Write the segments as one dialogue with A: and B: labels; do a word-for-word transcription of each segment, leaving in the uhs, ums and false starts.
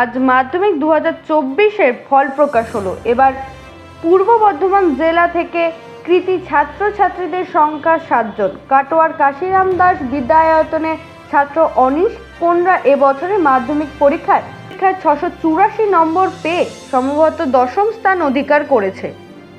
A: আজ মাধ্যমিক দু হাজার চব্বিশের ফল প্রকাশ হলো। এবার পূর্ব বর্ধমান জেলা থেকে কৃতী ছাত্রছাত্রীদের সংখ্যা সাতজন। কাটোয়ার কাশিরাম দাস বিদ্যায়তনের ছাত্র অনিশ কোনরা এবছরে মাধ্যমিক পরীক্ষায় পরীক্ষায় ছশো চুরাশি নম্বর পেয়ে সম্ভবত দশম স্থান অধিকার করেছে।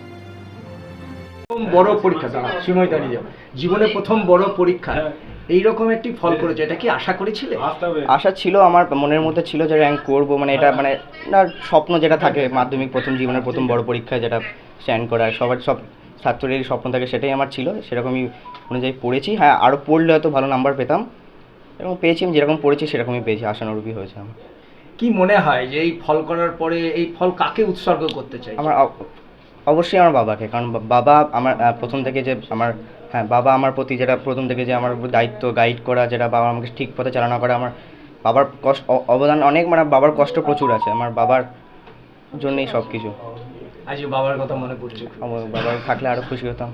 B: বড় পরীক্ষা সময় দাঁড়িয়ে যাবে জীবনে প্রথম বড় পরীক্ষা, এইরকম একটি ফল করেছে, এটা কি আশা করেছিলে?
C: আশা ছিল, আমার মনের মধ্যে ছিল যে র্যাঙ্ক করবো, মানে এটা মানে না স্বপ্ন যেটা থাকে মাধ্যমিক প্রথম জীবনের প্রথম বড় পরীক্ষায় যেটা স্ট্যান্ড করা, সবার সব ছাত্রেরই স্বপ্ন থাকে, সেটাই আমার ছিল। সেরকমই অনুযায়ী পড়েছি। হ্যাঁ, আরও পড়লে হয়তো ভালো নাম্বার পেতাম, এবং পেয়েছি। আমি যেরকম পড়েছি সেরকমই পেয়েছি, আশানুরূপই হয়েছে আমার।
B: কি মনে হয় যে এই ফল করার পরে এই ফল কাকে উৎসর্গ করতে চাই?
C: আমার অবশ্যই আমার বাবাকে, কারণ বাবা আমার প্রথম থেকে যে আমার হ্যাঁ বাবা আমার প্রতি যেটা প্রথম থেকে যে আমার দায়িত্ব গাইড করা, যেটা বাবা আমাকে ঠিক পথে চালনা করা, আমার বাবার কষ্ট অবদান অনেক, মানে বাবার কষ্ট প্রচুর আছে। আমার বাবার জন্যই সব কিছু।
B: আজ বাবার কথা মনে পড়ছে?
C: আমার বাবার থাকলে আরও খুশি হতাম।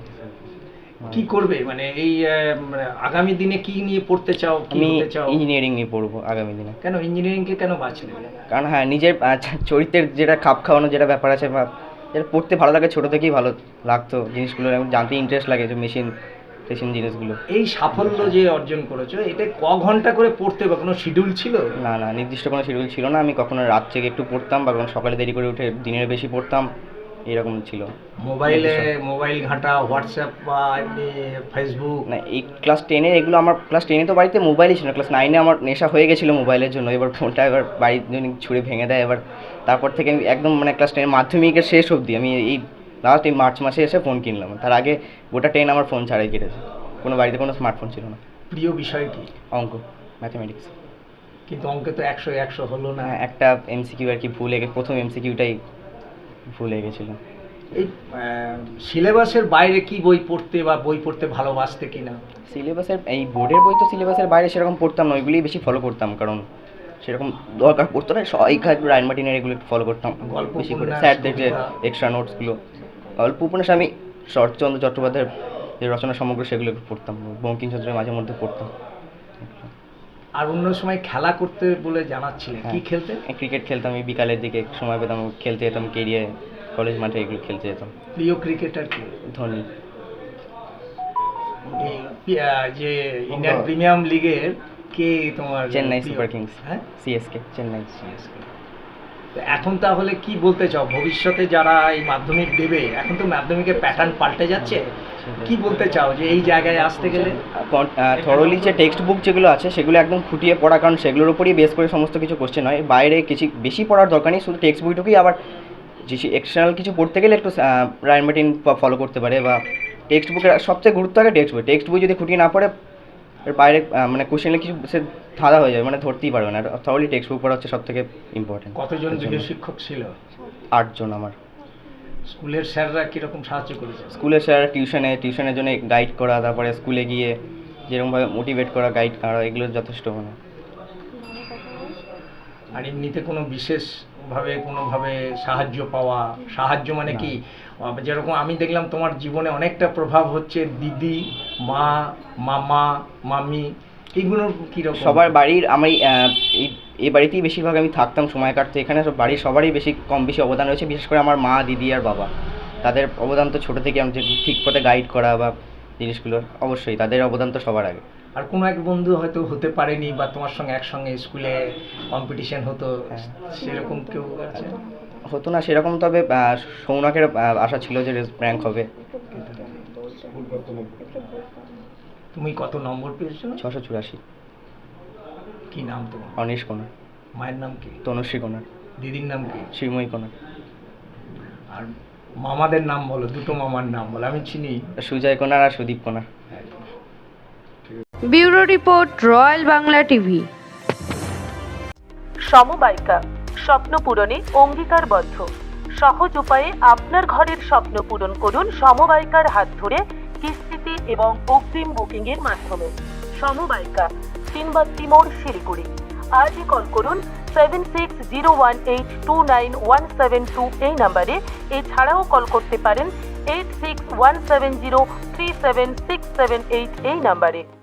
B: কি করবে মানে এই মানে আগামী দিনে কি নিয়ে পড়তে চাও?
C: আমি ইঞ্জিনিয়ারিং নিয়ে পড়বো আগামী দিনে।
B: কেন ইঞ্জিনিয়ারিংকে কেন বাছলে?
C: কারণ হ্যাঁ, নিজের চরিত্রের যেটা খাপ খাওয়ানো যেটা ব্যাপার আছে, বা যেটা পড়তে ভালো লাগে, ছোটো থেকেই ভালো লাগতো জিনিসগুলো, জানতে ইন্টারেস্ট লাগে, যে মেশিন টেশিন জিনিসগুলো।
B: এই সাফল্য যে অর্জন করেছো, এটা ক ঘন্টা করে পড়তে বা কোনো শিডিউল ছিল?
C: না না, নির্দিষ্ট কোনো শিডিউল ছিল না। আমি কখনো রাত থেকে একটু পড়তাম, বা কখনো সকালে দেরি করে উঠে দিনের বেশি পড়তাম, এরকম ছিল।
B: মোবাইলে মোবাইল ঘাঁটা, হোয়াটসঅ্যাপ বা এমনি ফেসবুক?
C: না, এই ক্লাস টেনে এগুলো আমার, ক্লাস টেনে তো বাড়িতে মোবাইলই ছিল না। ক্লাস নাইনে আমার নেশা হয়ে গেছিলো মোবাইলের জন্য। এবার ফোনটা এবার বাড়ির জন্য ছুঁড়ে ভেঙে দেয়। এবার তারপর থেকে আমি একদম মানে ক্লাস টেনের মাধ্যমিকের শেষ অবধি আমি এই লাস্ট এই মার্চ মাসে এসে ফোন কিনলাম। তার আগে গোটা টেন আমার ফোন ছাড়াই কেটেছে। কোনো বাড়িতে কোনো স্মার্টফোন ছিল না।
B: প্রিয় বিষয় কি?
C: অঙ্ক, ম্যাথামেটিক্স।
B: কিন্তু অঙ্কে তো একশো একশো হলো না।
C: একটা এমসিকিউ আর কি ভুলে গে প্রথম এমসিকিউটাই ভুলে গেছিলাম।
B: এই সিলেবাসের বাইরে কি বই পড়তে বা বই পড়তে ভালোবাসতে কিনা?
C: সিলেবাসের এই বোর্ডের বই তো সিলেবাসের বাইরে সেরকম পড়তাম না, ওইগুলোই বেশি ফলো করতাম, কারণ সেরকম দরকার পড়তো না। সবাইকা একটু রায়ন মার্টিনের এগুলো একটু ফলো করতাম
B: গল্প
C: বেশি করে, স্যারদের যে এক্সট্রা নোটসগুলো। গল্প উপন্যাস আমি শরৎচন্দ্র চট্টোপাধ্যায়ের যে রচনা সমগ্র সেগুলো একটু পড়তাম, বঙ্কিমচন্দ্রের মাঝে মধ্যে পড়তাম।
B: আর অন্য সময় খেলা করতে বলে জানাচ্ছিলেন, কি খেলতে?
C: ক্রিকেট খেলতাম, এই বিকালের দিকে সময় পেতাম খেলতে যেতাম, কেরিয়ার কলেজ মাঠে এগুলো খেলতে যেতাম।
B: প্রিয় ক্রিকেটার কি?
C: ধোনি।
B: যে ইন্ডিয়ান প্রিমিয়াম লিগের কে তোমার?
C: Chennai super kings. হ্যাঁ, সিএসকে, চেন্নাই
B: সিএসকে। এখন তাহলে কি বলতে চাও ভবিষ্যতে যারা এই মাধ্যমিক দেবে? এখন তো মাধ্যমিকের প্যাটার্ন পাল্টে যাচ্ছে, কি বলতে চাও যে এই জায়গায় আসতে গেলে?
C: থরলি যে টেক্সট বুক যেগুলো আছে সেগুলো একদম খুঁটিয়ে পড়া, কারণ সেগুলোর উপরই বেস করে সমস্ত কিছু কোশ্চেন হয়। বাইরে কিছু বেশি পড়ার দরকার নেই, শুধু টেক্সট বইটুকুই। আবার যে এক্সটার্নাল কিছু পড়তে গেলে একটু রায়ন মার্টিন ফলো করতে পারে, বা টেক্সট বুকের সবচেয়ে গুরুত্ব আগে টেক্সট বই। টেক্সট বই যদি খুঁটিয়ে না পড়ে, এর বাইরে মানে কোশ্চেনে কিছু সে ধাঁধা হয়ে যাবে, মানে ধরতেই পারবে না। থরলি টেক্সট বুক পড়া হচ্ছে সব থেকে ইম্পর্টেন্ট।
B: কতজন গৃহ শিক্ষক ছিল?
C: আটজন আমার।
B: স্কুলের স্যাররা কীরকম সাহায্য করেছে?
C: স্কুলের স্যার টিউশনে টিউশনের জন্য গাইড করা, তারপরে স্কুলে গিয়ে যেরকমভাবে মোটিভেট করা, গাইড করা, এগুলো যথেষ্ট। মানে
B: আর এমনিতে কোনো বিশেষভাবে কোনোভাবে সাহায্য পাওয়া? সাহায্য মানে কি, যেরকম আমি দেখলাম তোমার জীবনে অনেকটা প্রভাব হচ্ছে দিদি, মা, মামা, মামি, এগুলোর কীরকম?
C: সবার বাড়ির আমি এই এই বাড়িতেই বেশিরভাগ আমি থাকতাম, সময় কাটতো এখানে। সব বাড়ির সবারই বেশি কম বেশি অবদান রয়েছে, বিশেষ করে আমার মা, দিদি আর বাবা। তাদের অবদান তো ছোটো থেকে আমাকে ঠিক পথে গাইড করা বা জিনিসগুলো, অবশ্যই তাদের অবদান তো সবার আগে।
B: আর কোনো এক বন্ধু হয়তো হতে পারেনি, বা তোমার সঙ্গে একসঙ্গে স্কুলে কম্পিটিশন হতো, সেরকম কেউ আছে?
C: হতো না সেরকম, তবে সৌনকের আশা ছিল যে র্যাঙ্ক হবে।
B: তুমি কত নম্বর পেয়েছো?
C: ছশো চুরাশি।
B: কি নাম তোমার?
C: অনিশ কোনার।
B: মায়ের নাম কি?
C: তনুশ্রী কোনার।
B: দিদির নাম কি?
C: শ্রীময়ী কোনার।
B: আর মামাদের নাম বলো, দুটো মামার নাম বলো, আমি চিনি।
C: সুজয় কোনার আর Sudip Konar.
A: Bureau report, royal Bangla TV.
D: সমবায়িকা, স্বপ্ন পূরণে অঙ্গীকারবদ্ধ। সহজ উপায়ে আপনার ঘরের স্বপ্ন পূরণ করুন সমবায়িকার হাত ধরে, কিস্তিতে এবং অগ্রিম বুকিং এর মাধ্যমে। সমবায়িকা, তিনবাত্তি মোড়, শিলিগুড়ি। আজই কল করুন seven six zero one eight two nine one seven two এই নাম্বারে। এছাড়াও কল করতে পারেন eight six one seven zero three seven six seven eight এই নাম্বারে।